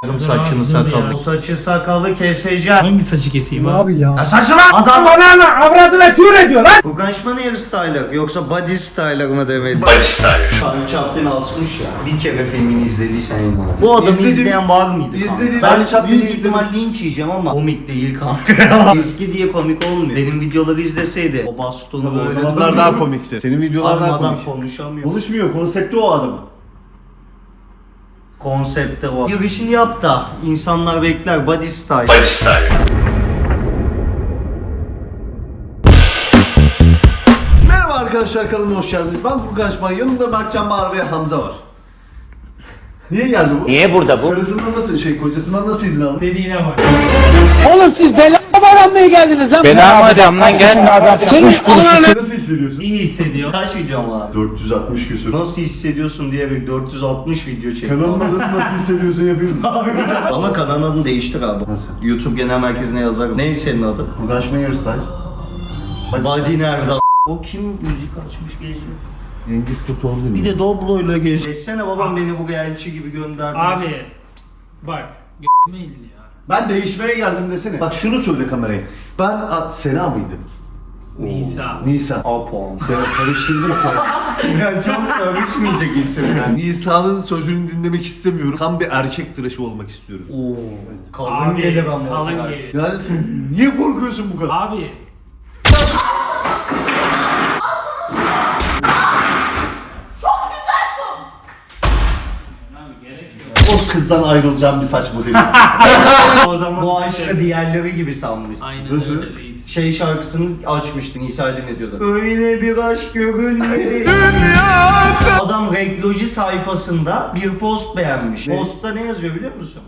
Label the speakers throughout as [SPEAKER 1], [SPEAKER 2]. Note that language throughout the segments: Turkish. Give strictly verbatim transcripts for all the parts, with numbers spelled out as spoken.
[SPEAKER 1] Saçını sakalı. Saçı sakalı keseceğim.
[SPEAKER 2] Hangi saçı keseyim abi?
[SPEAKER 3] Abi ya.
[SPEAKER 1] Ya saçma! Adam bana avradına tür ediyor lan! Furkan Şman hairstyler yoksa body styler mı demeli? Body styler. Charlie Chaplin asmış ya. Bir kere filmini izlediysen inanın. Bu adamı
[SPEAKER 3] İzledim.
[SPEAKER 1] izleyen var mıydı?
[SPEAKER 3] İzledim.
[SPEAKER 1] Ben
[SPEAKER 3] Charlie Chaplin'i
[SPEAKER 1] büyük
[SPEAKER 3] izledim.
[SPEAKER 1] ihtimal linç yiyeceğim ama komik değil kanka. Eski diye komik olmuyor. Benim videoları izleseydi o bastonu
[SPEAKER 3] O
[SPEAKER 1] böyle
[SPEAKER 3] zamanlar daha komikti. Senin videolar
[SPEAKER 1] Adam
[SPEAKER 3] daha
[SPEAKER 1] adam
[SPEAKER 3] komik.
[SPEAKER 1] konuşamıyor.
[SPEAKER 3] Konuşmuyor, konsepti o adamın.
[SPEAKER 1] Konsepte o. Girişini yap da insanlar bekler body style.
[SPEAKER 4] Body style.
[SPEAKER 3] Merhaba arkadaşlar, kanalıma hoş geldiniz. Ben Furkan Şman, yanımda Mertcan Bağır ve Hamza var. Niye geldi bu?
[SPEAKER 4] Niye burada bu?
[SPEAKER 3] Karısından nasıl, şey kocasından nasıl izin aldı?
[SPEAKER 2] Dediğine bak.
[SPEAKER 5] Oğlum siz belamı aramaya geldiniz lan.
[SPEAKER 4] Belamı adamdan gelme adam.
[SPEAKER 3] Nasıl hissediyorsun?
[SPEAKER 2] İyi hissediyor.
[SPEAKER 1] Kaç videom var?
[SPEAKER 3] dört yüz altmış küsur.
[SPEAKER 1] Nasıl hissediyorsun diyerek dört yüz altmış video çektim.
[SPEAKER 3] Kanalın adını nasıl hissediyorsun yapıyorum.
[SPEAKER 1] Ama kanalın adını değiştir abi.
[SPEAKER 3] Nasıl?
[SPEAKER 1] YouTube genel merkezine yazarım. Ne senin adın?
[SPEAKER 3] Furkan Şman Hairstyle.
[SPEAKER 1] Body nerede? O kim müzik açmış geziyor?
[SPEAKER 3] Cengiz Kurtoğlu.
[SPEAKER 1] Bir de Doblo'yla geziyor. Geçsene babam beni buraya elçi gibi gönderdi.
[SPEAKER 2] Abi bak g***me illi ya.
[SPEAKER 3] Ben değişmeye geldim desene. Bak şunu söyle kameraya. Ben a, Sena mıydı?
[SPEAKER 2] Nisa.
[SPEAKER 3] Nisa.
[SPEAKER 1] Apon.
[SPEAKER 3] Sena karıştırdım Sena.
[SPEAKER 1] Ya çok karışmayacak isim yani.
[SPEAKER 3] Nisa'nın sözünü dinlemek istemiyorum. Tam bir erkek tıraşı olmak istiyorum.
[SPEAKER 1] Oo. Kalın
[SPEAKER 2] Abi
[SPEAKER 1] gelir ama.
[SPEAKER 2] kalın
[SPEAKER 1] tıraş.
[SPEAKER 2] gelir.
[SPEAKER 3] Yani siz niye korkuyorsun bu kadar?
[SPEAKER 2] Abi Abi gerek yok.
[SPEAKER 3] O kızdan ayrılacağım bir saç modeli.
[SPEAKER 2] O zaman
[SPEAKER 1] Bu aşkı diğerleri gibi sanmış.
[SPEAKER 2] aynen
[SPEAKER 3] Nasıl?
[SPEAKER 2] öyle reis.
[SPEAKER 1] Şey şarkısını açmıştı Nisa Ali ne diyordu? Öyle bir aşk görülmedi. Adam Regloji sayfasında bir post beğenmiş.
[SPEAKER 3] Ne?
[SPEAKER 1] Postta ne yazıyor biliyor musun?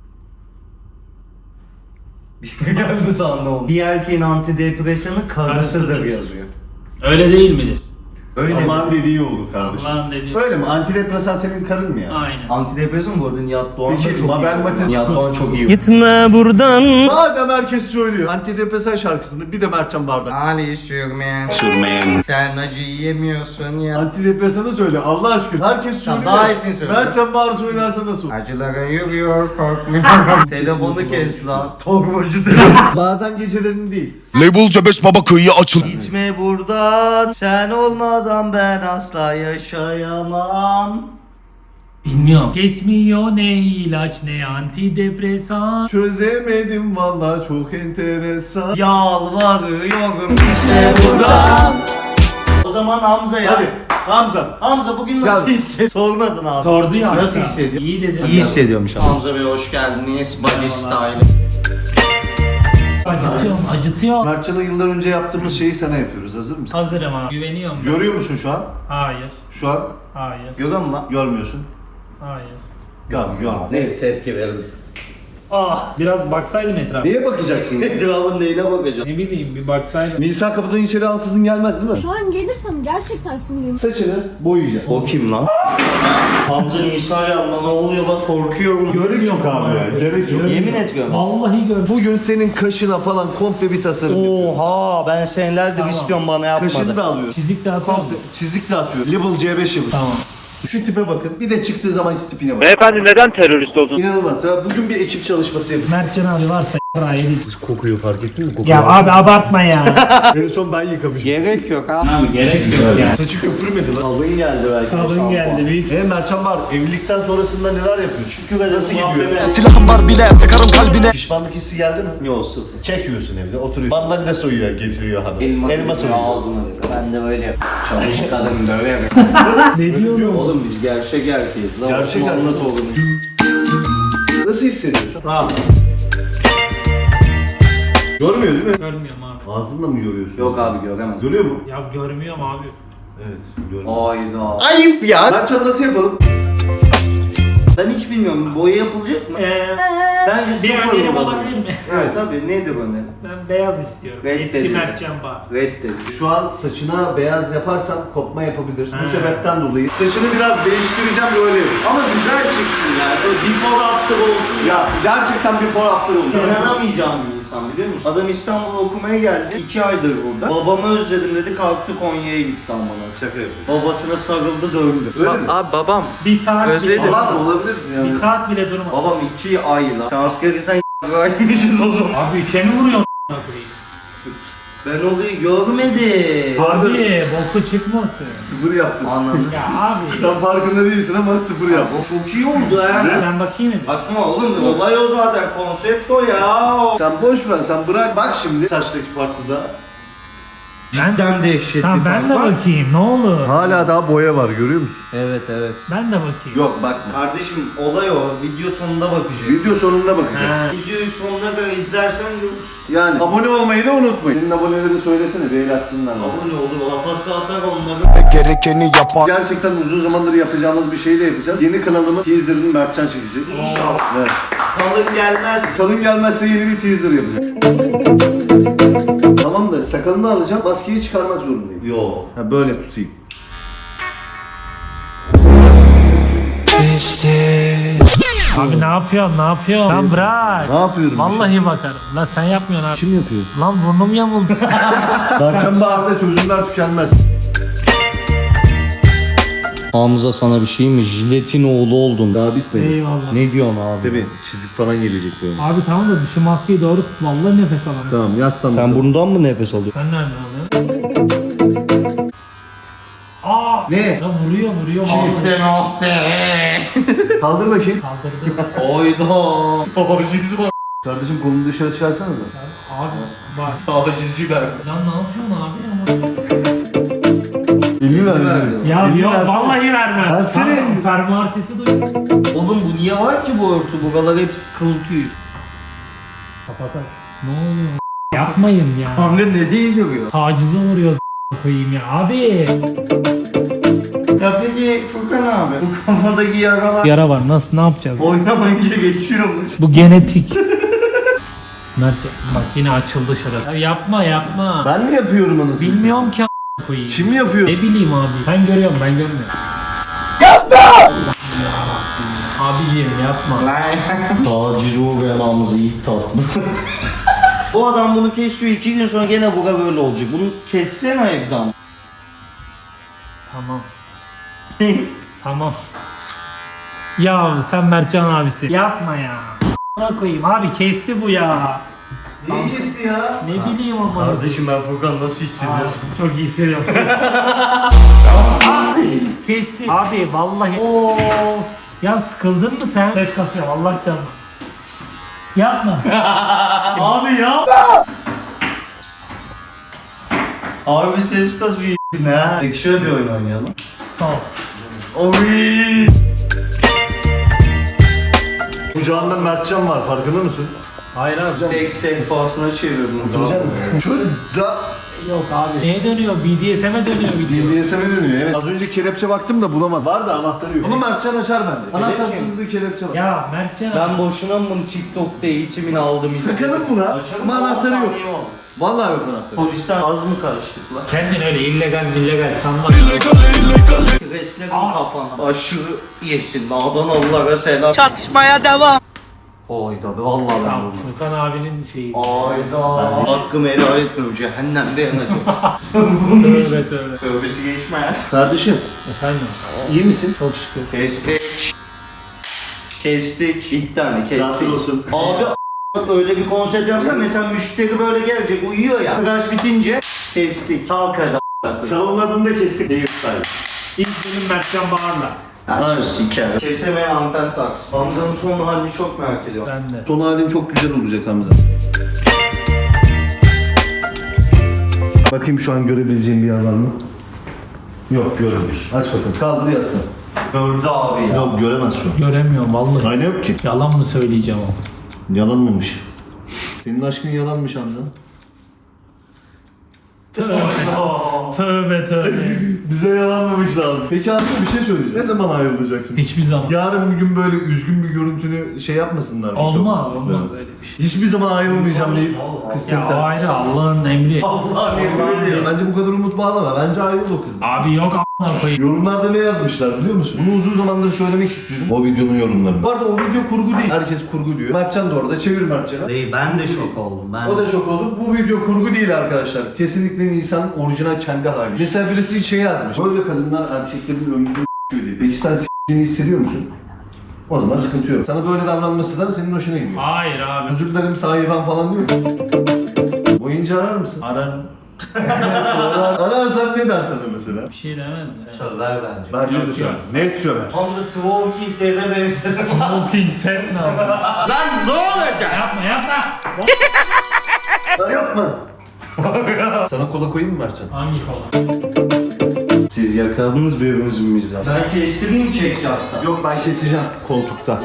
[SPEAKER 1] Bir geldi sandım. Bir erkeğin antidepresanı karısıdır
[SPEAKER 2] Karısıdır.
[SPEAKER 1] yazıyor.
[SPEAKER 2] Öyle değil midir?
[SPEAKER 1] Öyle mi?
[SPEAKER 3] Aman dediği olur kardeşim.
[SPEAKER 2] Allah'ın dediği.
[SPEAKER 3] Öyle mi? Antidepresan senin karın mı ya?
[SPEAKER 2] Aynen.
[SPEAKER 1] Antidepresan bu arada Nihat Doğan da
[SPEAKER 3] Peki,
[SPEAKER 1] çok
[SPEAKER 3] Mabel
[SPEAKER 1] iyi.
[SPEAKER 3] Matiz-
[SPEAKER 1] Nihat Doğan çok iyi.
[SPEAKER 6] Gitme buradan.
[SPEAKER 3] Madem herkes söylüyor. Antidepresan şarkısında bir de Mertcan Bardak.
[SPEAKER 1] Ali sürmeyen.
[SPEAKER 4] Sürmeyen.
[SPEAKER 1] Sen acı yiyemiyorsun ya.
[SPEAKER 3] Antidepresanı söyle Allah aşkına. Herkes
[SPEAKER 1] Tamam,
[SPEAKER 3] söylüyor.
[SPEAKER 1] daha iyisini söyle.
[SPEAKER 3] Mertcan Bağır söylerse nasıl?
[SPEAKER 1] Acılara yürüyor korkmuyorum. Telefonu kes lan. Torbacı telefon.
[SPEAKER 3] Bazen gecelerini değil.
[SPEAKER 7] Label Cebes Baba kıyıya açıl.
[SPEAKER 1] Gitme buradan. Sen olmadan ben asla yaşayamam.
[SPEAKER 2] Bilmiyorum. Kesmiyor ne ilaç ne antidepresan.
[SPEAKER 3] Çözemedim vallahi çok enteresan.
[SPEAKER 1] Yalvarıyorum gitme buradan. O zaman Hamza'ya.
[SPEAKER 3] Hadi Hamza.
[SPEAKER 1] Hamza bugün nasıl
[SPEAKER 3] Gel.
[SPEAKER 1] hissediyorsun? Sormadın abi.
[SPEAKER 2] Sordu ya.
[SPEAKER 1] Nasıl
[SPEAKER 2] aslında.
[SPEAKER 1] hissediyor?
[SPEAKER 2] İyi dedim.
[SPEAKER 1] İyi hissediyormuş abi. Hamza Bey hoş geldiniz. Body Style.
[SPEAKER 2] Acıtıyor mu? Acıtıyor.
[SPEAKER 3] Mertcan'a yıllar önce yaptığımız şeyi sana yapıyoruz. Hazır mısın?
[SPEAKER 2] Hazırım abi. Güveniyorum. ben.
[SPEAKER 3] Görüyor musun şu an?
[SPEAKER 2] Hayır.
[SPEAKER 3] Şu an
[SPEAKER 2] Hayır.
[SPEAKER 1] Görüyor musun lan?
[SPEAKER 3] görmüyorsun.
[SPEAKER 2] Hayır.
[SPEAKER 3] Tamam görmüyorum.
[SPEAKER 1] Ne tepki verin?
[SPEAKER 2] Ah biraz baksaydım etrafa.
[SPEAKER 3] Neye bakacaksın?
[SPEAKER 1] Etrafın neyine bakacağım?
[SPEAKER 2] Ne bileyim bir baksaydım.
[SPEAKER 3] Nisa kapıdan içeri ansızın gelmez değil mi?
[SPEAKER 8] Şu an gelirsem gerçekten sinirliyim.
[SPEAKER 3] Saçını boyayacak.
[SPEAKER 1] O kim lan? Hamza Nisa yanına ne oluyor lan korkuyorum.
[SPEAKER 3] Gerek yok abi ya. Gerek yok.
[SPEAKER 1] Yemin ediyorum.
[SPEAKER 2] Vallahi gördüm.
[SPEAKER 3] Bugün senin kaşına falan komple bir tasarım yapıyorum.
[SPEAKER 1] Oha ben senelerdir istiyorum bana
[SPEAKER 3] Kaşını
[SPEAKER 1] yapmadı.
[SPEAKER 3] da alıyor.
[SPEAKER 2] Çizik de atıyorum.
[SPEAKER 3] Komple çizik de atıyor. Level C beş yapıyor.
[SPEAKER 2] Tamam.
[SPEAKER 3] Şu tipe bakın. Bir de çıktığı zamanki tipine bakın.
[SPEAKER 4] Beyefendi neden terörist oldun?
[SPEAKER 3] İnanılmaz. Ya bugün bir ekip çalışması yapıyoruz.
[SPEAKER 2] Mertcan abi varsa y***a yedik.
[SPEAKER 3] Kokuyor fark ettin mi? Kokuyor.
[SPEAKER 2] Ya abi abartma ya.
[SPEAKER 3] En son ben yıkamışım.
[SPEAKER 1] Gerek yok ha.
[SPEAKER 2] abi gerek yok ya.
[SPEAKER 3] Saçı köpürmedi lan.
[SPEAKER 1] Kalın geldi belki. de
[SPEAKER 2] Kalın
[SPEAKER 1] şampuan.
[SPEAKER 2] geldi büyük.
[SPEAKER 3] E Mertcan var. Evlilikten sonrasında neler yapıyor? Şükür nasıl gidiyor?
[SPEAKER 7] Silahım var bile sıkarım kalbine.
[SPEAKER 3] Pişmanlık hissi geldi mi?
[SPEAKER 1] Yok sıfır.
[SPEAKER 3] Kek yiyorsun evde, oturuyor. Mandalina soyuyor, getiriyor hanım.
[SPEAKER 1] Elma,
[SPEAKER 3] Elma soyuyor.
[SPEAKER 1] ağzına. Ben de böyle yapıyorum. Çalış kadın döverim.
[SPEAKER 2] Ne diyorsun?
[SPEAKER 1] Oğlum biz gerçek erkeğiz lan.
[SPEAKER 3] Gerçek
[SPEAKER 1] Osmanlı
[SPEAKER 3] erkek.
[SPEAKER 1] torunu.
[SPEAKER 3] Nasıl hissediyorsun?
[SPEAKER 1] Rahat.
[SPEAKER 3] Görmüyor değil mi?
[SPEAKER 2] Görmüyorum abi.
[SPEAKER 3] Ağzınla mı yoruyorsun?
[SPEAKER 1] Yok abi göremez.
[SPEAKER 3] Görüyor mu?
[SPEAKER 2] Ya görmüyorum abi.
[SPEAKER 3] Evet, görüyor.
[SPEAKER 1] Ayda. Ayıp ya.
[SPEAKER 3] Mertcan nasıl yapalım?
[SPEAKER 1] Ben hiç bilmiyorum. Boya yapılacak mı?
[SPEAKER 2] Ee,
[SPEAKER 1] Bence
[SPEAKER 2] bir
[SPEAKER 1] sıfır
[SPEAKER 2] önerim
[SPEAKER 1] olmalı.
[SPEAKER 2] olabilir mi?
[SPEAKER 1] Evet tabii. Nedir önerim?
[SPEAKER 2] Ben beyaz istiyorum.
[SPEAKER 1] Red
[SPEAKER 2] Eski
[SPEAKER 1] dedi.
[SPEAKER 2] Mertcan Bağır.
[SPEAKER 1] Reddedim.
[SPEAKER 3] Şu an saçına beyaz yaparsan kopma yapabilir.
[SPEAKER 2] Ha.
[SPEAKER 3] Bu sebepten dolayı saçını biraz değiştireceğim böyle.
[SPEAKER 1] Ama güzel çıksın yani. Böyle before after olsun ya.
[SPEAKER 3] Ya gerçekten before after oldu.
[SPEAKER 1] İnanamayacağım bir insan biliyor musun? Adam İstanbul'a okumaya geldi. iki aydır burada. Babamı özledim dedi, kalktı Konya'ya gitti amına.
[SPEAKER 3] Şaka yapıyorum.
[SPEAKER 1] Babasına sarıldı döndü.
[SPEAKER 3] Öyle mi?
[SPEAKER 4] Abi babam.
[SPEAKER 2] Bir saat
[SPEAKER 4] Özledim.
[SPEAKER 2] bile,
[SPEAKER 3] Var mı olabilir mi yani?
[SPEAKER 2] bir saat bile durma.
[SPEAKER 1] Babam iki ay lan. Sen askeri sen gaymişiz o zaman.
[SPEAKER 2] Abi üçe mi vuruyorsun a**ına koyayım?
[SPEAKER 1] Ben olayı görmedim.
[SPEAKER 2] Abi boku çıkmasın.
[SPEAKER 3] Sıfır yaptın.
[SPEAKER 1] Anladım.
[SPEAKER 2] Ya abi.
[SPEAKER 3] Sen farkında değilsin ama sıfır yaptın.
[SPEAKER 1] O çok iyi oldu ha.
[SPEAKER 2] Ben bakayım mı?
[SPEAKER 1] Bakma oğlum, olay o zaten, konsept o ya.
[SPEAKER 3] Sen boş ver, sen bırak. Bak şimdi saçtaki farklı da.
[SPEAKER 1] Cidden dehşetli.
[SPEAKER 2] Tamam ben de
[SPEAKER 1] fark var.
[SPEAKER 2] bakayım ne olur.
[SPEAKER 3] Hala daha boya var, görüyor musun?
[SPEAKER 1] Evet evet.
[SPEAKER 2] Ben de bakayım.
[SPEAKER 3] Yok bakma.
[SPEAKER 1] Kardeşim olay o. Video sonunda bakacağız.
[SPEAKER 3] Video sonunda bakacağız.
[SPEAKER 2] Ha.
[SPEAKER 1] Videoyu sonuna kadar izlersen görürsün.
[SPEAKER 3] Yani abone olmayı da unutmayın. Senin abonelerini söylesene, bir el atsınlar.
[SPEAKER 1] Abone olur, lafası atar onları.
[SPEAKER 7] Gerekeni yapar.
[SPEAKER 3] Gerçekten uzun zamandır yapacağımız bir şey de yapacağız. Yeni kanalımın teaserını Mertcan çekecek.
[SPEAKER 1] İnşallah.
[SPEAKER 3] Evet.
[SPEAKER 1] Kalın gelmez.
[SPEAKER 3] Kalın gelmezse yeni bir teaser yapacağım. Tamam da sakalını alacağım, maskeyi çıkarmak zorundayım.
[SPEAKER 1] Yo.
[SPEAKER 3] Ha böyle tutayım.
[SPEAKER 2] Abi ne yapıyorsun ne yapıyorsun? Lan bırak.
[SPEAKER 3] Ne yapıyorum?
[SPEAKER 2] Vallahi bakarım. Lan sen yapmıyorsun abi.
[SPEAKER 3] Kim yapıyor?
[SPEAKER 2] Lan burnum yamuldu.
[SPEAKER 3] Mertcan Bağır'da çözümler tükenmez.
[SPEAKER 1] Hamza sana bir şey mi? Jiletin oğlu oldun.
[SPEAKER 3] Daha bitmedi.
[SPEAKER 2] Eyvallah.
[SPEAKER 1] Ne diyorsun abi?
[SPEAKER 3] Tabii çizik falan gelecek böyle.
[SPEAKER 2] Abi tamam da şu maskeyi doğru tut. Vallahi nefes alamıyorum.
[SPEAKER 3] Tamam yaslan.
[SPEAKER 1] Sen bundan mı nefes alıyorsun?
[SPEAKER 2] Sen nereden alıyorsun? Aa!
[SPEAKER 3] Ne?
[SPEAKER 2] Lan vuruyor vuruyor.
[SPEAKER 3] Çifte Kaldır bakayım.
[SPEAKER 2] Kaldırdı.
[SPEAKER 1] Oyda.
[SPEAKER 3] Tacizci bak. Kardeşim kolunu dışarı çıkarsana da.
[SPEAKER 2] Abi bak.
[SPEAKER 1] Tacizciler.
[SPEAKER 2] Lan ne yapıyorsun abi?
[SPEAKER 3] Elini ver. elini.
[SPEAKER 2] Ya
[SPEAKER 3] Elini
[SPEAKER 2] yok
[SPEAKER 3] versene.
[SPEAKER 2] vallahi vermem.
[SPEAKER 3] Versene.
[SPEAKER 2] Tamam, fermuar sesi duy.
[SPEAKER 1] Oğlum bu niye var ki bu örtü? Buralar hepsi kıl tüy.
[SPEAKER 2] Kapatak. Ne oluyor? Yapmayın ya.
[SPEAKER 1] Kanka ne değil görüyor?
[SPEAKER 2] Tacize uğruyoruz koyayım ya. Abi.
[SPEAKER 1] Ya peki Furkan abi, bu kafadaki yaralar
[SPEAKER 2] Yara var. Nasıl ne yapacağız?
[SPEAKER 1] oynamayınca geçiyormuş.
[SPEAKER 2] Bu genetik. Mert bak yine açıldı şurası. Ya yapma yapma.
[SPEAKER 3] Ben mi yapıyorum anasını?
[SPEAKER 2] Bilmiyorum ki a- koyayım.
[SPEAKER 3] Kim yapıyor?
[SPEAKER 2] Ne bileyim abi. Sen görüyorsun ben görmüyorum. Yapma! Abiciğim yapma.
[SPEAKER 1] Taciz uğrayan Hamza ilk tatlı. Bu adam bunu kesiyor, iki gün sonra gene buga böyle olacak. Bunu kessene evden.
[SPEAKER 2] Tamam. Tamam. Ya sen Mertcan abisi. Yapma ya. Buna koyayım abi kesti bu ya.
[SPEAKER 3] Neyi kesti ya?
[SPEAKER 2] Ne bileyim ama.
[SPEAKER 1] Kardeşim ben Furkan nasıl hissediyorsun?
[SPEAKER 2] Çok iyi hissediyorum. Kesti. Abi vallahi. Oo. Ya sıkıldın mı sen? Ses kasıyor Allah canına. Yapma.
[SPEAKER 1] Abi ya. Abi ses kazıyor ne? Peki şöyle bir oyun oynayalım.
[SPEAKER 2] Sağ ol.
[SPEAKER 1] Oy.
[SPEAKER 3] Kucağında Mertcan var, farkında mısın?
[SPEAKER 2] Hayır abi.
[SPEAKER 1] Seks sehpasına çevirdin zaman.
[SPEAKER 3] Şöyle da
[SPEAKER 2] Yok abi. Neye dönüyor? B D S M'e dönüyor video.
[SPEAKER 3] B D S M'e dönüyor evet. Az önce kelepçe baktım da bulamadım. Var da anahtarı yok. Bunu Mertcan açar bende. Anahtarsız bir kelepçe var.
[SPEAKER 2] Ya Mertcan abi.
[SPEAKER 1] Ben boşuna mı bunu TikTok'ta eğitimini aldım istedim.
[SPEAKER 3] Takalım buna.
[SPEAKER 1] Açalım,
[SPEAKER 3] Ama anahtarı yok.
[SPEAKER 1] saniye oldu.
[SPEAKER 3] Vallahi yok anahtarı.
[SPEAKER 1] Polisten az mı karıştık lan?
[SPEAKER 2] Kendin öyle illegal illegal sanma.
[SPEAKER 1] Resledim kafana. Aşırı yesin. Adanalılara selam. Çatışmaya devam. Oyda be vallahi ben
[SPEAKER 2] Tamam,
[SPEAKER 1] bunu.
[SPEAKER 2] Furkan abinin şeyi.
[SPEAKER 1] Ayda. Hakkımı helal etmiyorum. Cehennemde yanacağız.
[SPEAKER 2] Tövbe tövbe.
[SPEAKER 1] Tövbesi geçmez.
[SPEAKER 3] Kardeşim
[SPEAKER 2] Efendim.
[SPEAKER 3] iyi misin?
[SPEAKER 2] Çok şükür.
[SPEAKER 1] Kestik. Kestik. Bir tane kestik.
[SPEAKER 3] Sağ olsun.
[SPEAKER 1] Abi a- öyle bir konsept yapsan mesela müşteri böyle gelecek uyuyor ya. Tıraş bitince kestik. Kalk hadi.
[SPEAKER 3] Salonlarında kestik. Hairstyle.
[SPEAKER 2] İlk benim Mertcan Bağır'la.
[SPEAKER 1] Nasıl siker? Kesemeyen anten taksın. Hamza'nın son halini çok merak ediyorum.
[SPEAKER 2] Ben de.
[SPEAKER 3] Son halin çok güzel olacak Hamza. Bakayım şu an görebileceğim bir yer var mı? Yok göremiyorsun. Aç bakalım. Kaldır yazsın.
[SPEAKER 1] Gördü abi ya.
[SPEAKER 3] Yok göremez şu an.
[SPEAKER 2] Göremiyorum vallahi.
[SPEAKER 3] Ayna yok ki.
[SPEAKER 2] Yalan mı söyleyeceğim o?
[SPEAKER 3] Yalan mıymış? Senin aşkın yalanmış Hamza.
[SPEAKER 2] Tövbe. Tövbe tövbe.
[SPEAKER 3] Bize yalanlamış lazım. Peki abi bir şey söyleyeceğim. Ne zaman ayrılacaksın?
[SPEAKER 2] Hiçbir zaman.
[SPEAKER 3] Yarın bir gün böyle üzgün bir görüntünü şey yapmasınlar.
[SPEAKER 2] Olmaz
[SPEAKER 3] TikTok'ta.
[SPEAKER 2] olmaz öyle bir şey.
[SPEAKER 3] Hiçbir zaman ayrılmayacağım deyip kız
[SPEAKER 2] Ya
[SPEAKER 3] seni terk-
[SPEAKER 2] ayrı Allah'ın emri.
[SPEAKER 1] Allah'ım yemin ediyorum.
[SPEAKER 3] Bence bu kadar umut bağlama. Bence ayrıl o kızdan.
[SPEAKER 2] Abi yok a**ına koyayım.
[SPEAKER 3] Yorumlarda ne yazmışlar biliyor musun? Bunu uzun zamandır söylemek istiyorum. O videonun yorumlarını. Bu arada o video kurgu değil. Herkes kurgu diyor. Mertcan da orada. Çevir Mertcan'a.
[SPEAKER 1] Değil, ben de şok oldum. Ben
[SPEAKER 3] O da şok oldu. Bu video kurgu değil arkadaşlar. Kesinlikle Nisan'ın orijinal kendi hali. Mesela birisi şey yazmış. Böyle kadınlar erkeklerin önünde s***yor diye. Peki sen s***liğini hissediyor musun? O zaman sıkıntı yok. Sana böyle davranması da senin hoşuna gidiyor.
[SPEAKER 2] Hayır abi.
[SPEAKER 3] Özür dilerim sahibi ben falan diyor. Oyuncu arar mısın?
[SPEAKER 2] Ararım.
[SPEAKER 3] Arar, ararsan ne der sana mesela?
[SPEAKER 2] Bir şey demez ya.
[SPEAKER 1] söver bence.
[SPEAKER 3] Ben
[SPEAKER 2] Yok,
[SPEAKER 3] de
[SPEAKER 2] yok.
[SPEAKER 3] söver. Net söver.
[SPEAKER 1] Hamza Twerking de benzedim.
[SPEAKER 2] Smoking tet ne abi?
[SPEAKER 1] Lan ne olacak?
[SPEAKER 2] Yapma yapma.
[SPEAKER 3] Ya yapma. Sana kola koyayım mı Mertcan?
[SPEAKER 2] Hangi kola?
[SPEAKER 1] Siz yakaladınız birbirinizi mizah. Ben kestireyim çekti hatta.
[SPEAKER 3] Yok ben keseceğim koltukta.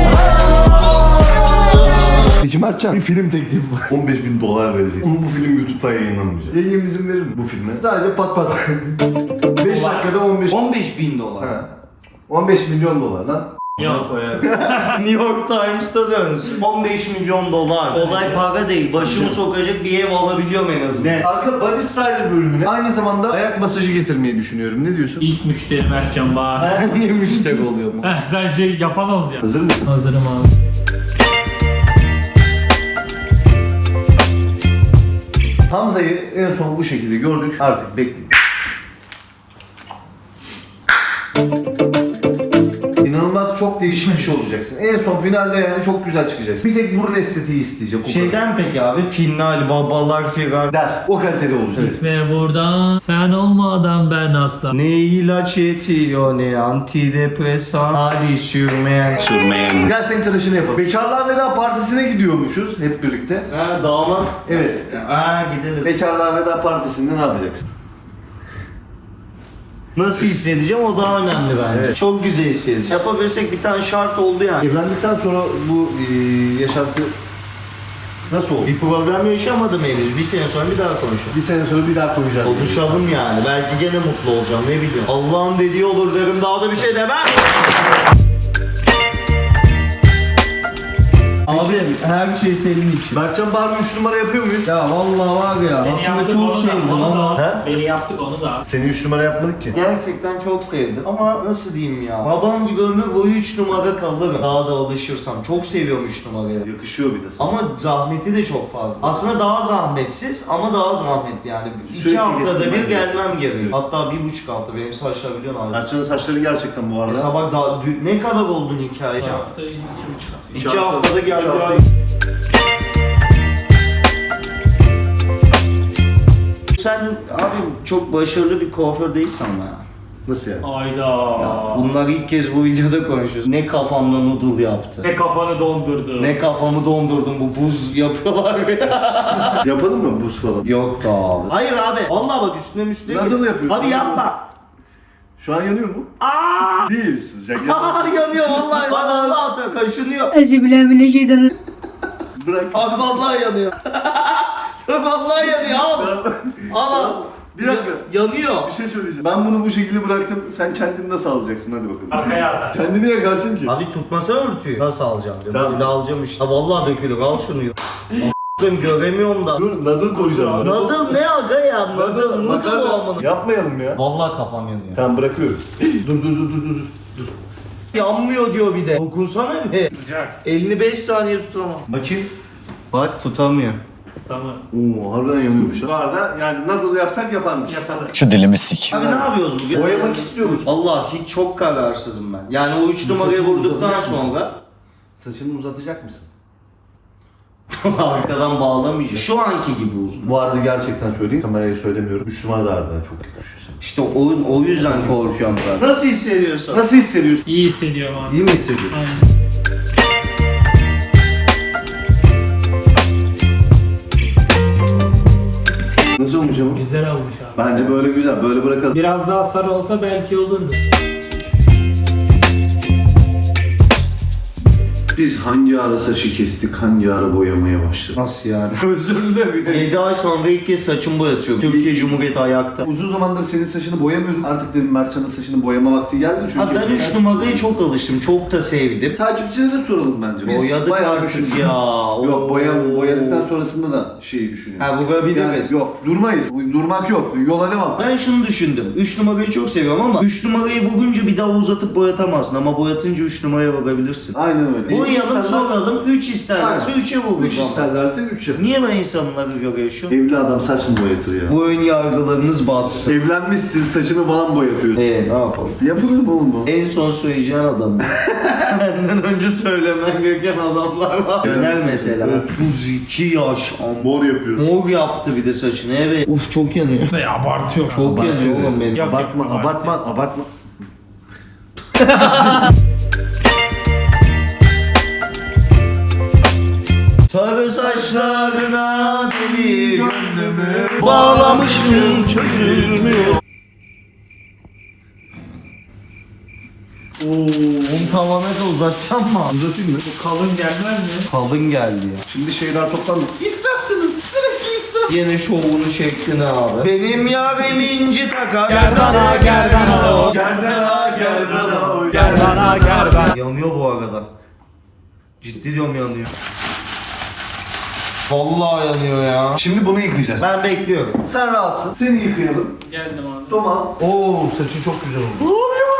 [SPEAKER 3] Peki Mertcan bir film teklifi var. on beş bin dolar verecek. Ama bu film YouTube'da yayınlanmayacak. Yayın izin verir mi bu filme? Sadece pat pat. beş dakikada on beş.
[SPEAKER 1] on beş bin dolar.
[SPEAKER 3] Ha. on beş milyon dolar lan.
[SPEAKER 2] Yok.
[SPEAKER 1] New York Times'ta dönsün. on beş milyon dolar. Olay para değil. Başımı sokacak bir ev alabiliyorum en azından.
[SPEAKER 3] Ne? Arka Body Style bölümüne aynı zamanda ayak masajı getirmeyi düşünüyorum. Ne diyorsun?
[SPEAKER 2] İlk müşteri Mertcan Bahar.
[SPEAKER 1] Ben niye müşteri oluyorum?
[SPEAKER 2] Heh, sen şey yapan olacaksın.
[SPEAKER 3] Hazır mısın?
[SPEAKER 2] Hazırım abi.
[SPEAKER 3] Hamza'yı en son bu şekilde gördük. Artık bekledik. İnanılmaz çok değişmiş olacaksın. En son finalde yani çok güzel çıkacaksın. Bir tek burun estetiği isteyecek. o kadar.
[SPEAKER 1] Şeyden peki abi final babalar firar.
[SPEAKER 3] Der. O kalitede olacak. Evet.
[SPEAKER 2] Gitme buradan. Sen olmadan ben asla.
[SPEAKER 1] Ne ilaç yetiyor ne antidepresan hali sürmeyen.
[SPEAKER 7] Sürmeyen.
[SPEAKER 3] Gel senin tıraşını yapalım. Bekarlığa Veda Partisi'ne gidiyormuşuz hep birlikte.
[SPEAKER 1] Ha damat.
[SPEAKER 3] Evet.
[SPEAKER 1] Ha gideriz.
[SPEAKER 3] Bekarlığa Veda Partisi'nde ne yapacaksın?
[SPEAKER 1] Nasıl hissedeceğim o daha önemli bence.
[SPEAKER 3] Evet.
[SPEAKER 1] Çok güzel hissedeceğim. Yapabilirsek bir tane şart oldu yani.
[SPEAKER 3] Evlendikten sonra bu e, yaşantı nasıl oldu?
[SPEAKER 1] Bir problem yaşamadım henüz. Bir sene sonra bir daha konuşalım.
[SPEAKER 3] Bir sene sonra bir daha konuşacağız.
[SPEAKER 1] Konuşalım yani. Belki gene mutlu olacağım ne bileyim. Allah'ın dediği olur derim daha da bir şey demem. Abi her şey senin için.
[SPEAKER 3] Mertcan Bahar üç numara yapıyor muyuz?
[SPEAKER 1] Ya vallahi var ya.
[SPEAKER 2] Beni
[SPEAKER 1] Aslında
[SPEAKER 2] yaptık
[SPEAKER 1] çok
[SPEAKER 2] onu da,
[SPEAKER 1] sevdim
[SPEAKER 2] onu
[SPEAKER 1] ama.
[SPEAKER 2] da.
[SPEAKER 3] He?
[SPEAKER 2] Beni yaptık onu da.
[SPEAKER 3] Seni üç numara yapmadık ki.
[SPEAKER 1] Gerçekten çok sevdim ama nasıl diyeyim ya. Babam gibi ömür boyu üç numara kalırım. Daha da alışırsam. Çok seviyorum üç numarayı.
[SPEAKER 3] Yakışıyor bir de sana.
[SPEAKER 1] Ama zahmeti de çok fazla. Aslında daha zahmetsiz ama daha zahmetli yani.
[SPEAKER 3] Sürekli
[SPEAKER 1] İki haftada
[SPEAKER 3] kesilmen
[SPEAKER 1] bir gelmem gerekiyor. Hatta bir buçuk hafta. Benim saçlar biliyorsun abi.
[SPEAKER 3] Mertcan'ın saçları gerçekten bu arada.
[SPEAKER 1] Mesela bak daha dü- ne kadar oldun hikaye?
[SPEAKER 2] İki hafta, iki buçuk hafta.
[SPEAKER 1] İki haftada
[SPEAKER 3] İki
[SPEAKER 1] geldi.
[SPEAKER 3] hafta.
[SPEAKER 1] Sen abi çok başarılı bir kuaför değilsin ama ya.
[SPEAKER 3] Nasıl yani?
[SPEAKER 2] Ayda.
[SPEAKER 1] Ya bunlar ilk kez bu videoda konuşuyoruz. Ne kafamda noodle yaptı.
[SPEAKER 2] Ne kafanı dondurdu.
[SPEAKER 1] Ne kafamı dondurdum bu buz yapıyorlar ya.
[SPEAKER 3] Yapalım mı buz falan?
[SPEAKER 1] Yok da abi. Hayır abi. Vallahi bak üstüne üstüne.
[SPEAKER 3] Noodle yapıyorsun.
[SPEAKER 1] Abi yapma.
[SPEAKER 3] Şu an yanıyor mu?
[SPEAKER 1] Aa!
[SPEAKER 3] Değil sıcak.
[SPEAKER 1] Aa yanıyor vallahi. Bak Allah atıyor kaşınıyor.
[SPEAKER 8] Euzubillahimineşşeytanirracim.
[SPEAKER 3] Bırak.
[SPEAKER 1] Abi vallahi yanıyor. Abi vallahi yanıyor al. Al al.
[SPEAKER 3] Bir dakika.
[SPEAKER 1] Yanıyor.
[SPEAKER 3] Bir şey söyleyeceğim. Ben bunu bu şekilde bıraktım. Sen kendini nasıl alacaksın? Hadi bakalım.
[SPEAKER 2] Arkaya atar.
[SPEAKER 3] Kendini yakarsın ki.
[SPEAKER 1] Abi tutmasa örtüyü. Nasıl alacağım diyorum.
[SPEAKER 3] Tamam.
[SPEAKER 1] Böyle alacağım işte. Ha vallahi dökülür al şunu. A**ım göremiyorum da.
[SPEAKER 3] Dur, nadıl koyacağım.
[SPEAKER 1] Nadıl ne aga ya? Nadıl noodle
[SPEAKER 3] Makarna.
[SPEAKER 1] o amına.
[SPEAKER 3] Yapmayalım ya.
[SPEAKER 1] Vallahi kafam yanıyor.
[SPEAKER 3] Tamam bırakıyorum. dur dur dur dur dur. Dur.
[SPEAKER 1] Yanmıyor diyor bir de. Dokunsana bir.
[SPEAKER 2] Sıcak.
[SPEAKER 1] Elini beş saniye tutamam. Bakayım. Bak tutamıyor.
[SPEAKER 2] Tamam.
[SPEAKER 3] Oo harbiden yanıyormuş. Bu arada yani nadıl yapsak yaparmış.
[SPEAKER 2] Yapalım.
[SPEAKER 7] Şu dilimi sik.
[SPEAKER 1] Abi ne yapıyoruz bugün?
[SPEAKER 3] Boyamak istiyor musun?
[SPEAKER 1] Allah hiç çok kararsızım ben. Yani o üç numarayı
[SPEAKER 3] saçını
[SPEAKER 1] vurduktan
[SPEAKER 3] uzatacak mısın?
[SPEAKER 1] sonra
[SPEAKER 3] Saçını uzatacak mısın?
[SPEAKER 1] arkadan bağlamayacağım. Şu anki gibi uzun.
[SPEAKER 3] Bu arada gerçekten söyleyeyim. Kameraya söylemiyorum. üç numara da harbiden çok yakışıyor sana.
[SPEAKER 1] İşte o, o yüzden korkuyorum ben. Nasıl hissediyorsun?
[SPEAKER 3] Nasıl hissediyorsun?
[SPEAKER 2] İyi hissediyorum abi.
[SPEAKER 3] İyi mi hissediyorsun?
[SPEAKER 2] Aynen.
[SPEAKER 3] Nasıl olmuş ama?
[SPEAKER 2] Güzel olmuş abi.
[SPEAKER 3] Bence böyle güzel. Böyle bırakalım.
[SPEAKER 2] Biraz daha sarı olsa belki olurdu.
[SPEAKER 3] Biz hangi ara saçı kestik, hangi ara boyamaya başladık?
[SPEAKER 1] Nasıl yani? Özür dilerim. yedi ay sonra ilk kez saçımı boyatıyorum. Türkiye Cumhuriyeti ayakta.
[SPEAKER 3] Uzun zamandır senin saçını boyamıyordum. Artık dedim Mertcan'ın saçını boyama vakti geldi. Çünkü
[SPEAKER 1] Abi ben üç numarayı çok alıştım. Çok da sevdim.
[SPEAKER 3] Takipçilere soralım bence. Biz
[SPEAKER 1] Boyadık
[SPEAKER 3] bayağı
[SPEAKER 1] artık
[SPEAKER 3] düşündük.
[SPEAKER 1] ya.
[SPEAKER 3] Yok boya,
[SPEAKER 1] Oo.
[SPEAKER 3] boyadıktan sonrasında da şeyi düşünüyorum.
[SPEAKER 1] Ha vurabiliriz.
[SPEAKER 3] Yani yok durmayız. Durmak yok. Yola devam.
[SPEAKER 1] Ben şunu düşündüm. üç numarayı çok seviyorum ama üç numarayı vurunca bir daha uzatıp boyatamazsın ama boyatınca üç numaraya vurabilirsin.
[SPEAKER 3] Aynen öyle.
[SPEAKER 1] Boyayalım
[SPEAKER 3] İnsanlar-
[SPEAKER 1] soralım. üç isterlerse
[SPEAKER 3] Aynen.
[SPEAKER 1] üçe vururuz.
[SPEAKER 3] Üç isterlerse üç yapar.
[SPEAKER 1] Niye ben insanları göre yaşıyorum?
[SPEAKER 3] Evli adam saç mı boyatır ya?
[SPEAKER 1] Bu ön yargılarınız batsın.
[SPEAKER 3] Evlenmişsin saçını falan boyatıyorsun.
[SPEAKER 1] Eee ne yapalım?
[SPEAKER 3] Yapılır mı oğlum bu?
[SPEAKER 1] En son söyleyeceğin adam. Benden önce söylemen gereken adamlar var. Döner mesela. otuz iki yaş.
[SPEAKER 3] Mor yapıyor.
[SPEAKER 1] Mor yaptı bir de saçını. Evet. Uf çok yanıyor.
[SPEAKER 2] Ve abartıyor.
[SPEAKER 1] Çok yanıyor oğlum benim.
[SPEAKER 2] Yok,
[SPEAKER 3] Abartma,
[SPEAKER 2] yok,
[SPEAKER 3] abartma, abartma.
[SPEAKER 1] Sarı saçlarına deli gönlümü bağlamışsın çözülmüyor. Oo, onu tavana da uzatacağım mı?
[SPEAKER 3] Uzatayım mı?
[SPEAKER 2] Kalın gelmez mi?
[SPEAKER 1] Kalın geldi ya.
[SPEAKER 3] Şimdi şeyler toplandı. İsrafsınız. Sürekli israf.
[SPEAKER 1] Yine şovunu şeklini abi. Benim yarim inci takar.
[SPEAKER 2] Gerdana gerdana
[SPEAKER 1] Gerdana gerdana.
[SPEAKER 2] Gerdana gerdana.
[SPEAKER 1] Yanıyor bu arada. Ciddi diyorum yanıyor. Vallahi yanıyor ya.
[SPEAKER 3] Şimdi bunu yıkayacağız.
[SPEAKER 1] Ben bekliyorum.
[SPEAKER 3] Sen rahatsın. Seni yıkayalım.
[SPEAKER 2] Geldim abi.
[SPEAKER 3] Doma. Oo saçı çok güzel oldu.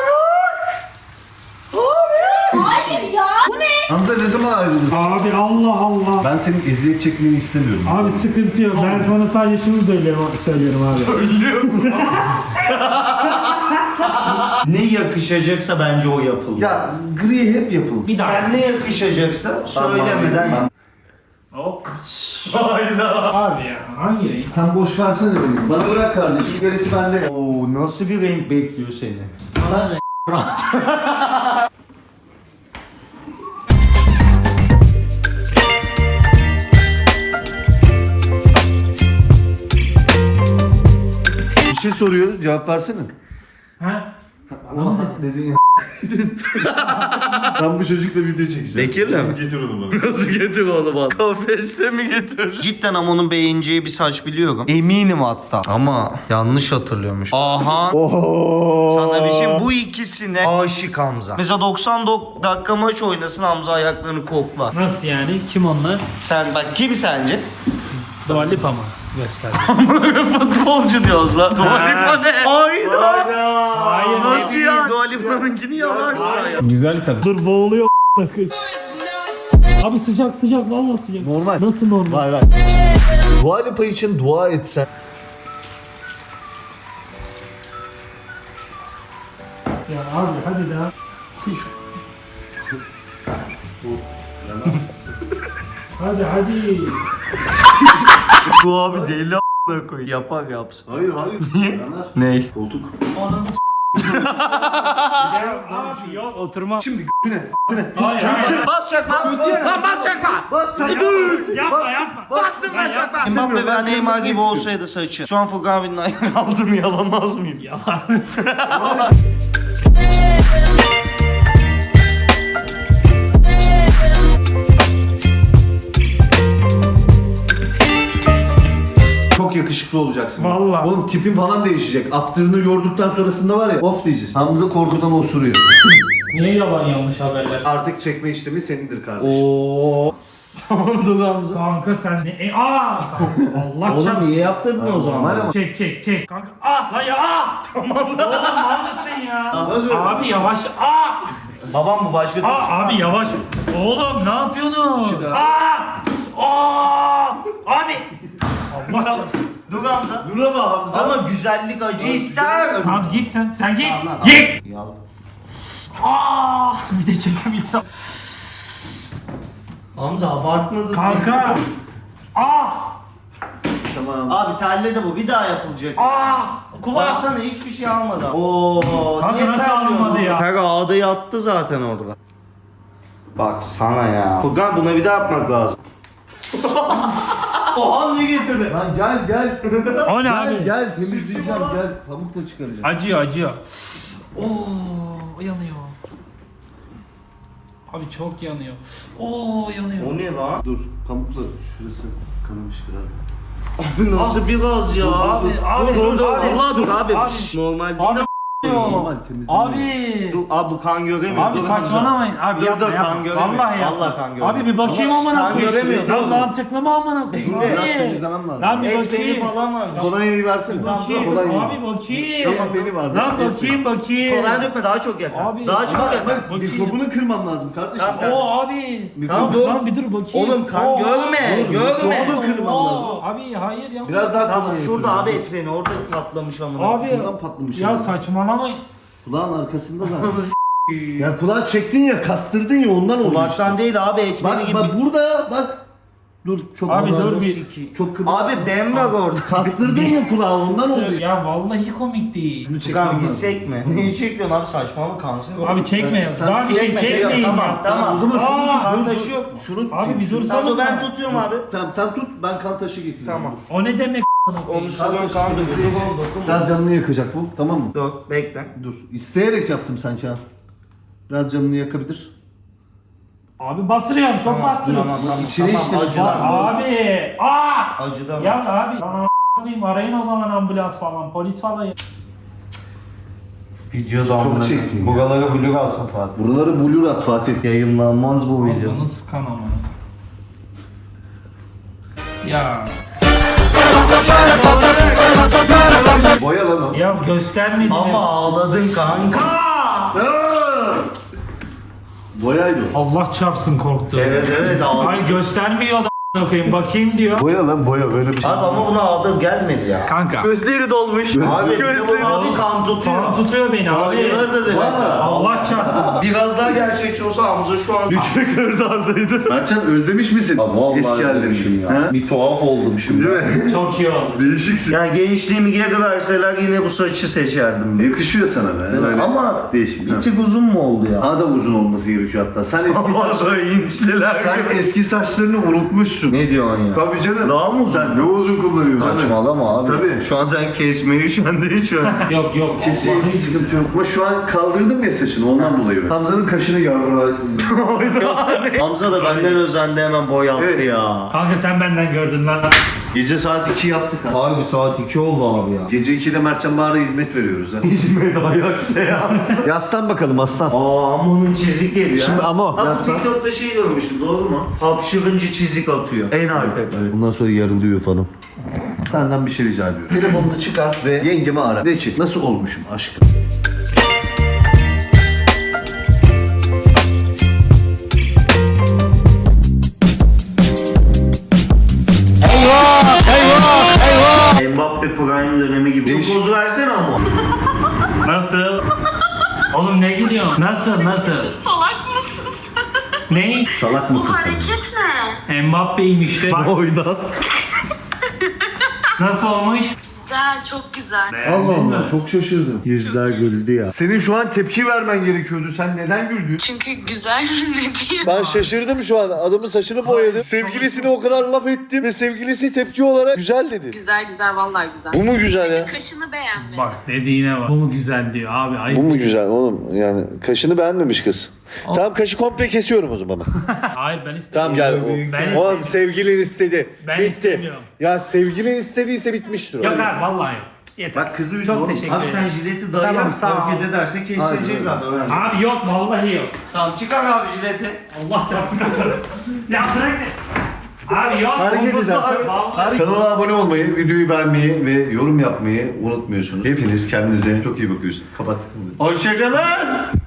[SPEAKER 8] Hayır ya. Bu ne?
[SPEAKER 3] Hamza ne zaman ayrılırız?
[SPEAKER 2] Abi Allah Allah.
[SPEAKER 3] Ben senin eziyet çekmeni istemiyorum.
[SPEAKER 2] Abi sıkıntı yok. Ben sana sadece şunu söylüyorum, söylüyorum abi.
[SPEAKER 1] Ne yakışacaksa bence o yapılır.
[SPEAKER 3] Ya gri hep yapılır.
[SPEAKER 2] Bir dakika.
[SPEAKER 1] Sen ne yakışacaksa söylemeden.
[SPEAKER 2] Hop. Hayda. Abi ya hangi renk?
[SPEAKER 3] Sen boş versene beni. Bana bırak kardeşim. Gerisi bende.
[SPEAKER 1] Oo nasıl bir renk bekliyor seni?
[SPEAKER 2] Sana ne?
[SPEAKER 3] Bir şey soruyor. Cevap versene.
[SPEAKER 2] Ha?
[SPEAKER 3] Oha dedin ya. Ben bu çocukla video çekeceğim.
[SPEAKER 1] Bekir'le mi?
[SPEAKER 3] Getir onu bana.
[SPEAKER 1] Nasıl getir onu bana? Kafeste mi getir? Cidden ama onun beğeneceği bir saç biliyorum. Eminim hatta. Ama yanlış hatırlıyormuş. Aha. Sana bir şey bu ikisine aşık Hamza. Mesela doksan dakika maç oynasın Hamza ayaklarını koklar.
[SPEAKER 2] Nasıl yani? Kim onlar?
[SPEAKER 1] Sen bak kim sence?
[SPEAKER 2] Dua Lipa mı? Göster.
[SPEAKER 1] Futbolcu diyoruz lan. Dua Lipa ne? Hayda.
[SPEAKER 2] Hayır.
[SPEAKER 1] Nasıl ya? Dua Lipa'nınkini yalarsın ya.
[SPEAKER 2] Güzel kadın. Dur boğuluyor. Abi sıcak sıcak vallahi sıcak.
[SPEAKER 3] Normal.
[SPEAKER 2] Nasıl normal?
[SPEAKER 3] Vay vay. Dua Lipa için dua etsen.
[SPEAKER 2] Ya abi hadi daha. Hadi hadi.
[SPEAKER 1] Bu abi deli a**ına koy. Yapar yapsın.
[SPEAKER 3] Hayır hayır. Niye?
[SPEAKER 1] Ney?
[SPEAKER 3] Koltuk.
[SPEAKER 2] Ananı s***. Ya abi yok oturma.
[SPEAKER 3] Şimdi güne.
[SPEAKER 2] Hayır hayır.
[SPEAKER 1] Bas çakma. Sen bas çakma.
[SPEAKER 3] Bas sen.
[SPEAKER 2] Yapma yapma.
[SPEAKER 1] Bastım
[SPEAKER 2] Ben
[SPEAKER 1] ben çakma. Mbappe ve Neymar gibi olsaydı saçı. Şu an Furkan abinin ayağı aldığını yalamaz mıydı?
[SPEAKER 2] Yalan.
[SPEAKER 3] Çok yakışıklı olacaksın.
[SPEAKER 2] Vallahi.
[SPEAKER 3] Oğlum tipin falan değişecek. After'ını yorduktan sonrasında var ya. Of diyeceğiz. Hamza korkudan osuruyor.
[SPEAKER 2] Niye yalan yanlış haberler?
[SPEAKER 3] Artık çekme işlemi senindir kardeşim.
[SPEAKER 1] Oo. Tamam dur Hamza.
[SPEAKER 2] Kanka sen ne? E, aa! Allah
[SPEAKER 1] Oğlum
[SPEAKER 2] çarpsın.
[SPEAKER 1] niye yaptırdın o
[SPEAKER 3] Normal
[SPEAKER 1] zaman?
[SPEAKER 3] ama.
[SPEAKER 2] Çek çek çek. Kanka aa! Lan ya aa! Tamam lan. Oğlum haklısın ya.
[SPEAKER 3] Nasıl öyle?
[SPEAKER 2] Abi yavaş aa!
[SPEAKER 1] Babam mı başka?
[SPEAKER 2] Aa abi yavaş. Oğlum ne yapıyorsunuz? Aa! Aa! Abi! Allah çarpsın.
[SPEAKER 1] Dur Hamza.
[SPEAKER 3] Dur ama Hamza.
[SPEAKER 1] Ama güzellik acı ister.
[SPEAKER 2] Tamam git sen. Sen git.
[SPEAKER 1] Tamam,
[SPEAKER 2] Git.
[SPEAKER 1] Yal.
[SPEAKER 2] Aa! Bir de çekebilsem.
[SPEAKER 1] Hamza abartmadın.
[SPEAKER 2] Kanka. Aa!
[SPEAKER 3] Tamam.
[SPEAKER 1] Abi terle de bu bir daha yapılacak.
[SPEAKER 2] Aa! Kulak.
[SPEAKER 1] Baksana hiçbir şey almadı. Oo,
[SPEAKER 2] Kanka
[SPEAKER 1] niye
[SPEAKER 2] nasıl
[SPEAKER 1] terliyorsun
[SPEAKER 2] almadı
[SPEAKER 1] oğlum?
[SPEAKER 2] ya?
[SPEAKER 1] Her ağda yattı zaten orada. Bak sana ya. Furkan buna bir daha yapmak lazım. Oha ne getirdi?
[SPEAKER 3] Lan gel gel.
[SPEAKER 2] O ne
[SPEAKER 3] Gel
[SPEAKER 2] abi?
[SPEAKER 3] gel temizleyeceğim gel. Pamukla çıkaracağım.
[SPEAKER 2] Acıyor acıyor. Oo yanıyor. Abi çok yanıyor. Oo yanıyor.
[SPEAKER 1] O ne lan?
[SPEAKER 3] Dur pamukla şurası kanamış biraz.
[SPEAKER 1] Abi nasıl bir gaz ya?
[SPEAKER 2] Abi, abi,
[SPEAKER 1] dur dur dur.
[SPEAKER 2] abi.
[SPEAKER 1] Vallahi dur abi.
[SPEAKER 2] Abi.
[SPEAKER 1] Şşş, normal değil
[SPEAKER 2] Abi,
[SPEAKER 1] ama.
[SPEAKER 3] Normal temizleniyor.
[SPEAKER 2] Abi.
[SPEAKER 1] Dur abi bu kan göremiyor.
[SPEAKER 2] Abi
[SPEAKER 1] Dur,
[SPEAKER 2] saçmalamayın. Abi
[SPEAKER 1] Dur,
[SPEAKER 2] yapma
[SPEAKER 1] dur,
[SPEAKER 2] yapma.
[SPEAKER 1] kan göremiyor.
[SPEAKER 2] Vallahi yapma.
[SPEAKER 1] Vallahi kan göremiyor.
[SPEAKER 2] Abi bir bakayım
[SPEAKER 1] Ama
[SPEAKER 2] amına
[SPEAKER 1] kan
[SPEAKER 2] koyayım.
[SPEAKER 1] göremiyor,
[SPEAKER 2] Ya
[SPEAKER 1] oğlum.
[SPEAKER 2] mantıklı mı amına koyayım?
[SPEAKER 3] Biraz
[SPEAKER 2] Abi.
[SPEAKER 3] temizlemem lazım.
[SPEAKER 2] Lan bir
[SPEAKER 1] Et beni
[SPEAKER 2] bakayım.
[SPEAKER 1] falan var.
[SPEAKER 3] Kolonyayı versene.
[SPEAKER 2] Bakayım.
[SPEAKER 3] Kolonyayı.
[SPEAKER 2] Abi bakayım.
[SPEAKER 3] Tamam beni var.
[SPEAKER 2] Lan
[SPEAKER 3] Et
[SPEAKER 2] bakayım bakayım.
[SPEAKER 1] Kolay dökme daha çok yakar.
[SPEAKER 2] Abi.
[SPEAKER 1] Daha çok
[SPEAKER 3] Ama
[SPEAKER 1] yakar.
[SPEAKER 3] bak
[SPEAKER 2] Bakayım.
[SPEAKER 3] mikrobunu kırmam lazım kardeşim.
[SPEAKER 1] Tamam.
[SPEAKER 2] Oo abi.
[SPEAKER 1] Tamam,
[SPEAKER 2] Dur,
[SPEAKER 1] dur.
[SPEAKER 2] Lan bir dur bakayım.
[SPEAKER 1] Oğlum kan
[SPEAKER 2] Oo.
[SPEAKER 1] görme.
[SPEAKER 3] Oğlum,
[SPEAKER 1] Görme.
[SPEAKER 3] mikrobunu kırmam
[SPEAKER 2] Oo.
[SPEAKER 3] lazım.
[SPEAKER 2] Abi hayır ya.
[SPEAKER 3] Biraz daha
[SPEAKER 1] Tamam
[SPEAKER 3] kolonya
[SPEAKER 1] şurada
[SPEAKER 3] yapıyorum.
[SPEAKER 1] abi et beni orada patlamış amına.
[SPEAKER 2] Abi
[SPEAKER 3] Şuradan patlamış.
[SPEAKER 2] ya
[SPEAKER 3] yani.
[SPEAKER 2] saçmalamayın.
[SPEAKER 3] Kulağın arkasında zaten. Ya kulağı çektin ya kastırdın ya ondan oluyor.
[SPEAKER 1] Kulaktan değil abi et beni
[SPEAKER 3] Bak,
[SPEAKER 1] gibi.
[SPEAKER 3] bak burada bak. Dur çok
[SPEAKER 2] Abi dur
[SPEAKER 3] kulağında
[SPEAKER 2] bir-
[SPEAKER 3] siki- Çok kıvırcık.
[SPEAKER 1] Abi ben var orada.
[SPEAKER 3] Kastırdın ya kulağı ondan oldu.
[SPEAKER 2] Ya vallahi komik değil.
[SPEAKER 3] Şunu çekmem
[SPEAKER 1] Kan
[SPEAKER 3] lazım.
[SPEAKER 1] gitsek mi? Neyi çekiyorsun abi saçmalama kanser olur.
[SPEAKER 2] Abi çekme ya.
[SPEAKER 3] Sen
[SPEAKER 2] Daha bir şey
[SPEAKER 1] çekme, şey yap,
[SPEAKER 2] çekmeyin
[SPEAKER 1] tamam,
[SPEAKER 2] ya.
[SPEAKER 1] tamam.
[SPEAKER 3] O zaman şunu
[SPEAKER 2] Aa,
[SPEAKER 1] kan
[SPEAKER 3] dur, dur.
[SPEAKER 1] taşı yok mu?
[SPEAKER 3] Şunu
[SPEAKER 2] Abi bir
[SPEAKER 3] şunu-
[SPEAKER 2] dur.
[SPEAKER 1] Tamam dur ben tutuyorum abi.
[SPEAKER 3] Tamam sen tut ben kan taşı getireyim.
[SPEAKER 1] Tamam.
[SPEAKER 2] O ne demek?
[SPEAKER 1] Onu sürüyorum kan döküyor. Dokunma.
[SPEAKER 3] Biraz canını yakacak bu tamam mı?
[SPEAKER 1] Dur bekle.
[SPEAKER 3] Dur. İsteyerek yaptım sanki ha. Biraz canını yakabilir.
[SPEAKER 2] Abi bastırıyorum çok bastırıyorum.
[SPEAKER 1] Tamam tamam.
[SPEAKER 3] İçine
[SPEAKER 1] tamam,
[SPEAKER 3] işte
[SPEAKER 1] acıdan.
[SPEAKER 2] Abi. Aa.
[SPEAKER 1] Acıdan.
[SPEAKER 2] Ya abi. Bana a**layım, arayın o zaman ambulans falan polis falan.
[SPEAKER 1] Video
[SPEAKER 3] Çok çektin ya.
[SPEAKER 1] Buralara blur alsın Fatih.
[SPEAKER 3] Buraları blur at Fatih.
[SPEAKER 1] Yayınlanmaz bu video.
[SPEAKER 2] Bunu sıkan ama. Ya.
[SPEAKER 3] Boya lan o.
[SPEAKER 2] Ya göstermedi
[SPEAKER 1] Ama
[SPEAKER 2] mi?
[SPEAKER 1] ağladın kanka.
[SPEAKER 3] Boyaydı o.
[SPEAKER 2] Allah çarpsın korktu.
[SPEAKER 1] Evet evet ağladın.
[SPEAKER 2] Ay göstermiyor da a**ına koyayım bakayım diyor.
[SPEAKER 3] Boya lan boya böyle bir şey.
[SPEAKER 1] Abi ama buna ağladın gelmedi ya.
[SPEAKER 2] Kanka.
[SPEAKER 1] Gözleri dolmuş. Abi gözleri abi kan tutuyor.
[SPEAKER 2] Kan tutuyor beni abi.
[SPEAKER 1] Hayır dedi.
[SPEAKER 2] Allah çarpsın.
[SPEAKER 1] Biraz daha gerçekçi olsa Hamza şu an Lütfü Kırdardaydı.
[SPEAKER 3] Mertcan özlemiş misin? Eski hallerini. Ha?
[SPEAKER 1] Bir tuhaf oldum şimdi.
[SPEAKER 3] Değil mi?
[SPEAKER 2] Çok iyi oldu.
[SPEAKER 3] Değişiksin.
[SPEAKER 1] Yani gençliğimi geri verseler yine bu saçı seçerdim. ben.
[SPEAKER 3] Yakışıyor sana be. Böyle
[SPEAKER 1] Ama
[SPEAKER 3] değişik.
[SPEAKER 1] bir tık uzun mu oldu ya?
[SPEAKER 3] Daha da uzun olması gerekiyor hatta. Sen eski
[SPEAKER 1] Ama
[SPEAKER 3] saç...
[SPEAKER 1] böyle inçliler
[SPEAKER 3] Sen
[SPEAKER 1] gibi.
[SPEAKER 3] eski saçlarını unutmuşsun.
[SPEAKER 1] Ne diyorsun ya?
[SPEAKER 3] Tabii canım.
[SPEAKER 1] Daha mı uzun?
[SPEAKER 3] Sen ne uzun kullanıyorsun? canım?
[SPEAKER 1] Saçmalama abi.
[SPEAKER 3] Tabii.
[SPEAKER 1] Şu an sen kesmeyi şu an değil şu an.
[SPEAKER 2] Yok yok.
[SPEAKER 3] Kesin
[SPEAKER 2] vallahi-
[SPEAKER 3] sıkıntı yok. Ama şu an kaldırdım ya saçını ondan dolayı. Hamza'nın kaşını yarra.
[SPEAKER 1] Hamza da benden özendi hemen boy attı
[SPEAKER 3] Evet.
[SPEAKER 1] ya.
[SPEAKER 2] Kanka sen benden gördün lan.
[SPEAKER 3] Gece saat iki yaptık ha.
[SPEAKER 1] Abi saat iki oldu abi ya.
[SPEAKER 3] Gece ikide Mertcan Bahar'a hizmet veriyoruz ha.
[SPEAKER 1] İzmir'de ayak seansı.
[SPEAKER 3] Yaslan bakalım aslan.
[SPEAKER 1] Aa ama onun çizik geliyor.
[SPEAKER 3] Şimdi ama o,
[SPEAKER 1] Ha bu
[SPEAKER 3] yaslan.
[SPEAKER 1] TikTok'ta şey görmüştüm doğru mu? Hapşırınca çizik atıyor. En harika.
[SPEAKER 3] Bundan sonra yarılıyor falan. Senden bir şey rica ediyorum. Telefonunu çıkar ve yengemi ara. De ki nasıl olmuşum aşkım?
[SPEAKER 1] Mbappe Prime dönemi gibi. Şu pozu versene ama.
[SPEAKER 2] Nasıl? Oğlum ne gülüyorsun? Nasıl nasıl?
[SPEAKER 8] Salak mısın?
[SPEAKER 2] Ne?
[SPEAKER 3] Salak mısın sen?
[SPEAKER 8] Hareket ne?
[SPEAKER 2] Mbappe'yim işte. Bak,
[SPEAKER 1] Oydan.
[SPEAKER 2] nasıl olmuş?
[SPEAKER 8] Güzel, çok güzel.
[SPEAKER 3] Allah Allah çok şaşırdım.
[SPEAKER 1] Yüzler güldü ya.
[SPEAKER 3] Senin şu an tepki vermen gerekiyordu. Sen neden güldün?
[SPEAKER 8] Çünkü güzel ne diyeyim?
[SPEAKER 3] Ben şaşırdım şu an. Adamın saçını boyadım. Sevgilisine o kadar laf ettim ve sevgilisi tepki olarak güzel dedi.
[SPEAKER 8] Güzel güzel, vallahi güzel.
[SPEAKER 3] Bu mu güzel ya?
[SPEAKER 8] Kaşını beğenmedim.
[SPEAKER 2] Bak dediğine bak. Bu mu güzel diyor abi. Ayıp.
[SPEAKER 3] Bu mu güzel oğlum? Yani kaşını beğenmemiş kız. Tamam kaşı komple kesiyorum o zaman.
[SPEAKER 2] Hayır ben istemiyorum.
[SPEAKER 3] Tamam gel.
[SPEAKER 2] Ben
[SPEAKER 3] O, oğlum
[SPEAKER 2] istemiyorum.
[SPEAKER 3] sevgilin istedi.
[SPEAKER 2] Ben
[SPEAKER 3] Bitti.
[SPEAKER 2] istemiyorum.
[SPEAKER 3] Ya sevgilin istediyse bitmiştir. o.
[SPEAKER 2] Yok abi vallahi. Yeter.
[SPEAKER 3] Bak kızı üzme
[SPEAKER 2] Çok
[SPEAKER 3] oğlum.
[SPEAKER 2] teşekkür
[SPEAKER 1] Abi
[SPEAKER 2] ederim.
[SPEAKER 1] sen jileti dayı
[SPEAKER 2] Tamam,
[SPEAKER 1] yap.
[SPEAKER 2] sağ ol.
[SPEAKER 1] Hareket ederse kesilecek
[SPEAKER 3] Aynen.
[SPEAKER 1] zaten. öyle.
[SPEAKER 2] Abi yok vallahi yok.
[SPEAKER 1] Tamam çıkar abi jileti.
[SPEAKER 2] Allah çarpsın kaçarım. Ya bırak de. Abi yok.
[SPEAKER 3] Hareket
[SPEAKER 2] Omuzda
[SPEAKER 3] edersen
[SPEAKER 2] abi, vallahi.
[SPEAKER 3] kanala abone olmayı, videoyu beğenmeyi ve yorum yapmayı unutmuyorsunuz. Hepiniz kendinize çok iyi bakıyorsunuz. Kapat.
[SPEAKER 1] Hoşçakalın.